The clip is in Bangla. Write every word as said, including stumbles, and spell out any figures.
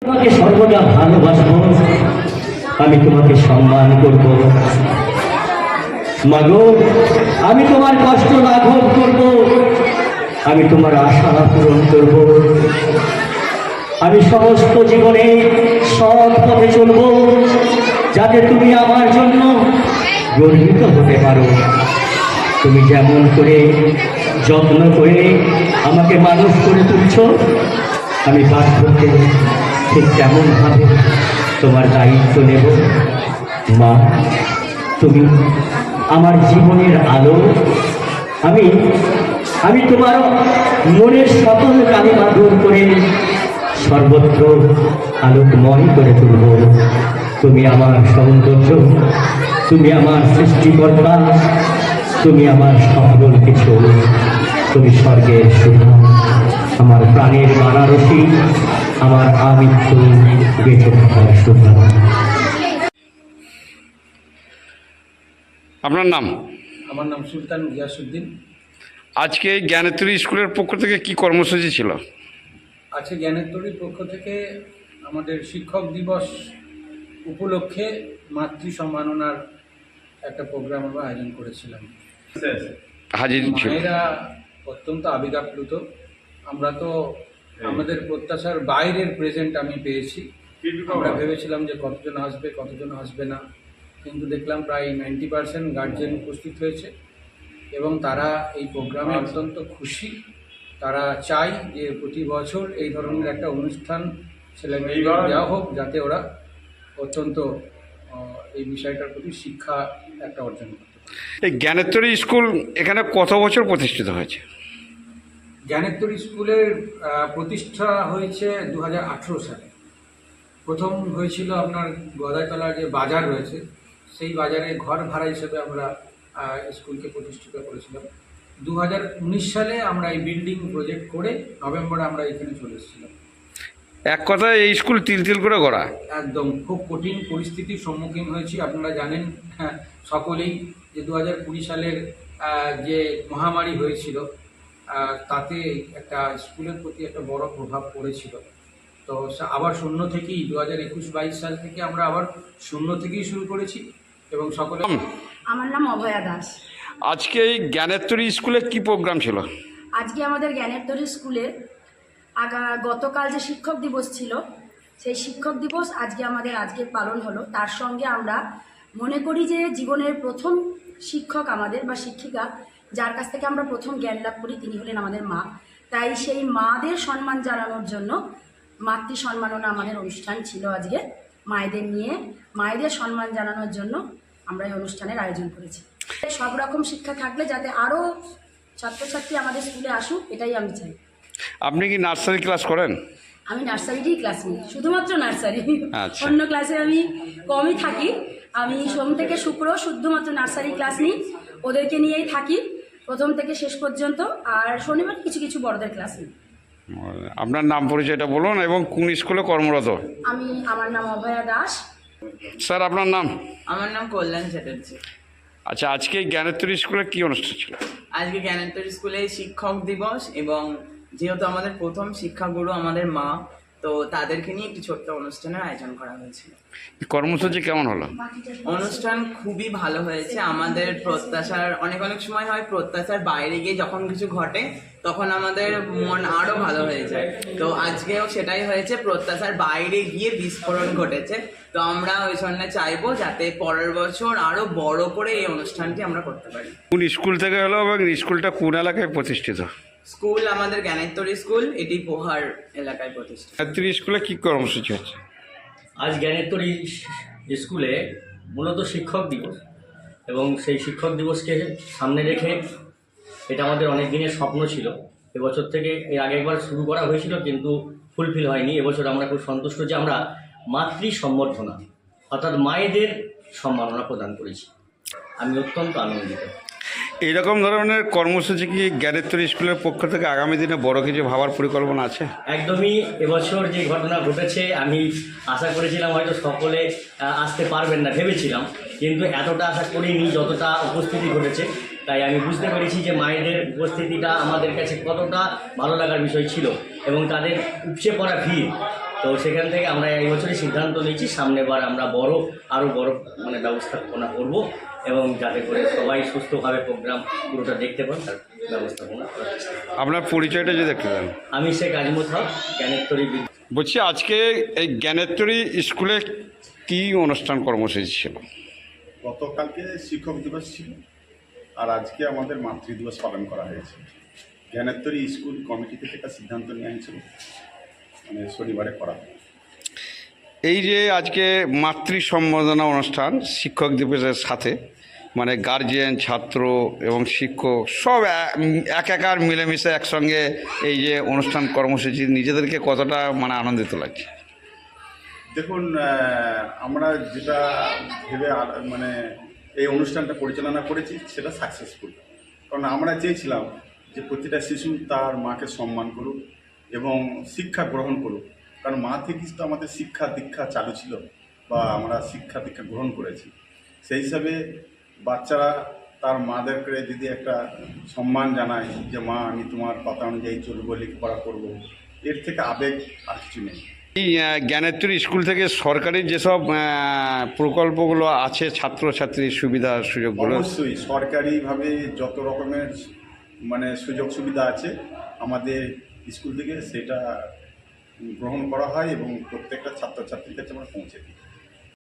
তোমাকে সর্বদা ভালোবাসবো, আমি তোমাকে সম্মান করব। মাগো, আমি তোমার কষ্ট লাঘব করব, আমি তোমার আশা পূরণ করব। আমি সমস্ত জীবনে সৎ পথে চলব, যাতে তুমি আমার জন্য গর্বিত হতে পারো। তুমি যেমন করে যত্ন করে আমাকে মানুষ করে তুলছ, আমি বাধ্যকে ঠিক তেমনভাবে তোমার দায়িত্ব নেব। মা, তুমি আমার জীবনের আলো। আমি আমি তোমার মনের সকল কালিমা দূর করে সর্বত্র আলোকময় করে তুলব। তুমি আমার সৌন্দর্য, তুমি আমার সৃষ্টিকর্তা, তুমি আমার সকল কিছু। তুমি স্বর্গের সুধা, আমার প্রাণের বানারসি, আমার আমৃত্যু বেঁচে থাকার সুধা। আপনার নাম? আমার নাম সুলতান গিয়াসউদ্দিন। আজকে জ্ঞানেশ্বরী স্কুলের পক্ষ থেকে কি কর্মসূচি ছিল? আজকে জ্ঞানেশ্বরীর পক্ষ থেকে আমাদের শিক্ষক দিবস উপলক্ষে মাতৃ সম্মাননার একটা প্রোগ্রাম আমরা আয়োজন করেছিলাম। হাজির ছিল। মায়েরা অত্যন্ত আবেগাপ্লুত। আমরা তো আমাদের প্রত্যাশার বাইরের প্রেজেন্ট আমি পেয়েছি। আমরা ভেবেছিলাম যে কতজন আসবে কতজন আসবে না, কিন্তু দেখলাম প্রায় নাইনটি পার্সেন্ট গার্জেন উপস্থিত হয়েছে এবং তারা এই প্রোগ্রামে অত্যন্ত খুশি। তারা চায় যে প্রতি বছর এই ধরনের একটা অনুষ্ঠান ছেলেমেয়েদের দেওয়া হোক, যাতে ওরা অত্যন্ত এই বিষয়টার প্রতি শিক্ষা একটা অর্জন করতে পারে। এই জ্ঞানেশ্বরী স্কুল এখানে কত বছর প্রতিষ্ঠিত হয়েছে? জ্ঞানেশ্বরী স্কুলের প্রতিষ্ঠা হয়েছে দু হাজার আঠেরো সালে। প্রথম হয়েছিল আপনার গদাইতলার যে বাজার রয়েছে, সেই বাজারে ঘর ভাড়া হিসেবে আমরা স্কুলকে প্রতিষ্ঠিত করেছিলাম। দু হাজার উনিশ সালে আমরা এই বিল্ডিং প্রজেক্ট করে নভেম্বরে আমরা এখানে চলে এসেছিলাম। এক কথায় এই স্কুল তিল তিল করে গড়া। একদম খুব কঠিন পরিস্থিতির সম্মুখীন হয়েছি। আপনারা জানেন সকলেই যে দু হাজার কুড়ি সালের যে মহামারী হয়েছিল, তাতে একটা স্কুলের প্রতি একটা বড় প্রভাব পড়েছিল। তো আবার শূন্য থেকেই দু হাজার একুশ বাইশ সাল থেকে আমরা আবার শূন্য থেকেই শুরু করেছি এবং সকলে। আমার নাম অভয়া দাস। আজকে এই জ্ঞানেশ্বরী স্কুলে কি প্রোগ্রাম ছিল? আজকে আমাদের জ্ঞানেশ্বরী স্কুলে আগা গতকাল যে শিক্ষক দিবস ছিল, সেই শিক্ষক দিবস আজকে আমাদের আজকে পালন হলো। তার সঙ্গে আমরা মনে করি যে জীবনের প্রথম শিক্ষক আমাদের বা শিক্ষিকা, যার কাছ থেকে আমরা প্রথম জ্ঞান লাভ করি, তিনি হলেন আমাদের মা। তাই সেই মাদের সম্মান জানানোর জন্য মাতৃ সম্মাননা আমাদের অনুষ্ঠান ছিল আজকে। মায়েদের নিয়ে মায়েদের সম্মান জানানোর জন্য আমরা এই অনুষ্ঠানের আয়োজন করেছি। সব রকম শিক্ষা থাকলে যাতে আরও ছাত্রছাত্রী আমাদের স্কুলে আসুক, এটাই আমি চাই। আপনি কি নার্সারি ক্লাস করেন? আমি নার্সারিতেই ক্লাস নিই, শুধুমাত্র নার্সারি। আচ্ছা। অন্য ক্লাসে আমি কমই থাকি। আমি সোম থেকে শুক্র শুধুমাত্র নার্সারি ক্লাস নিই, ওদেরকে নিয়েই থাকি প্রথম থেকে শেষ পর্যন্ত। আর শনিবার কিছু কিছু বড়দের ক্লাস নিই। আপনার নাম পরিচয়টা বলুন এবং কোন স্কুলে কর্মরত? আমি আমার নাম অভয়া দাস। স্যার, আপনার নাম? আমার নাম কল্যাণ চ্যাটার্জি। আচ্ছা, আজকে জ্ঞানেশ্বরী স্কুলে কি অনুষ্ঠান ছিল? আজকে জ্ঞানেশ্বরী স্কুলে শিক্ষক দিবস এবং যেহেতু আমাদের প্রথম শিক্ষাগুরু আমাদের মা, তো তাদেরকে নিয়ে একটি ছোট্ট অনুষ্ঠানের আয়োজন করা হয়েছিল। কর্মসূচি কেমন হলো? অনুষ্ঠান খুবই ভালো হয়েছে। আমাদের প্রত্যাশার অনেক অনেক সময় হয় প্রত্যাশার বাইরে গিয়ে যখন কিছু ঘটে তখন আমাদের মন আরো ভালো হয়ে যায়। তো আজকেও সেটাই হয়েছে, প্রত্যাশার বাইরে গিয়ে বিস্ফোরণ ঘটেছে। তো আমরা ওই জন্য চাইবো যাতে পরের বছর আরো বড় করে এই অনুষ্ঠানটি আমরা করতে পারি। কোন স্কুল থেকে হলো এবং স্কুলটা কোন এলাকায় প্রতিষ্ঠিত? স্কুল আমাদের জ্ঞানেশ্বরী স্কুল, এটি পোহার এলাকায় প্রতিষ্ঠিত। জ্ঞানেশ্বরী স্কুলে কি কর্মসূচি হচ্ছে? আজ জ্ঞানেশ্বরী স্কুলে মূলত শিক্ষক দিবস, এবং সেই শিক্ষক দিবসকে সামনে রেখে এটা আমাদের অনেক দিনের স্বপ্ন ছিল। এবছর থেকে এর আগে একবার শুরু করা হয়েছিল, কিন্তু ফুলফিল হয়নি। এবছর আমরা খুব সন্তুষ্ট যে আমরা মাতৃ সম্বর্ধনা অর্থাৎ মায়েদের সম্মাননা প্রদান করেছি। আমি অত্যন্ত আনন্দিত। এইরকম ধরনের কর্মসূচি কি জ্ঞানেশ্বরী স্কুলের পক্ষ থেকে আগামী দিনে বড় কিছু ভাবার পরিকল্পনা আছে? একদমই। এবছর যে ঘটনা ঘটেছে, আমি আশা করেছিলাম হয়তো সকলে আসতে পারবেন না ভেবেছিলাম, কিন্তু এতটা আশা করিনি যতটা উপস্থিতি ঘটেছে। তাই আমি বুঝতে পেরেছি যে মায়েদের উপস্থিতিটা আমাদের কাছে কতটা ভালো লাগার বিষয় ছিল, এবং তাদের উপচে পড়া ভিড় তো সেখান থেকে আমরা এই বছরই সিদ্ধান্ত নিয়েছি সামনেবার আমরা বড় আরও বড় মানে ব্যবস্থাপনা করব এবং যাতে করে সবাই সুস্থভাবে প্রোগ্রাম পুরোটা দেখতে পান তার ব্যবস্থাপনা করার চেষ্টা করব। আপনার পরিচয়টা যদি একটু দেন। আমি শেখ আজমত হক, জ্ঞানেশ্বরী বিদ্যা। বলছি আজকে এই জ্ঞানেশ্বরী স্কুলে কি অনুষ্ঠান কর্মসূচি ছিল? গতকালকে শিক্ষক দিবস ছিল আর আজকে আমাদের মাতৃ দিবস পালন করা হয়েছে। জ্ঞানেশ্বরী স্কুল কমিটি থেকে একটা সিদ্ধান্ত নিয়ে হয়েছিল মানে শনিবারে করা হয়। এই যে আজকে মাতৃ সম্বর্ধনা অনুষ্ঠান শিক্ষক দিবসের সাথে মানে গার্জিয়ান, ছাত্র এবং শিক্ষক সব এ- এক একার মিলেমিশে একসঙ্গে এই যে অনুষ্ঠান কর্মসূচি নিজেদেরকে কতটা মানে আনন্দিত লাগছে? দেখুন, আহ, আমরা যেটা ভেবে আ- মানে এই অনুষ্ঠানটা পরিচালনা করেছি সেটা সাকসেসফুল। কারণ আমরা চেয়েছিলাম যে প্রতিটা শিশু তার মাকে সম্মান করুক এবং শিক্ষা গ্রহণ করুক। কারণ মা থেকেই তো আমাদের শিক্ষা দীক্ষা চালু ছিল বা আমরা শিক্ষা দীক্ষা গ্রহণ করেছি। সেই হিসাবে বাচ্চারা তার মাদেরকে যদি একটা সম্মান জানায় যে মা আমি তোমার কথা অনুযায়ী চলবো, লেখাপড়া করবো, এর থেকে আবেগ আর কিছু নেই। এই আহ, জ্ঞানেশ্বরী স্কুল থেকে সরকারি যেসব আহ, প্রকল্পগুলো আছে ছাত্রছাত্রীর সুবিধা সুযোগগুলো অবশ্যই সরকারিভাবে যত রকমের মানে সুযোগ সুবিধা আছে আমাদের স্কুল থেকে সেটা গ্রহণ করা হয় এবং প্রত্যেকটা ছাত্রছাত্রীর কাছে আমরা পৌঁছে দিই।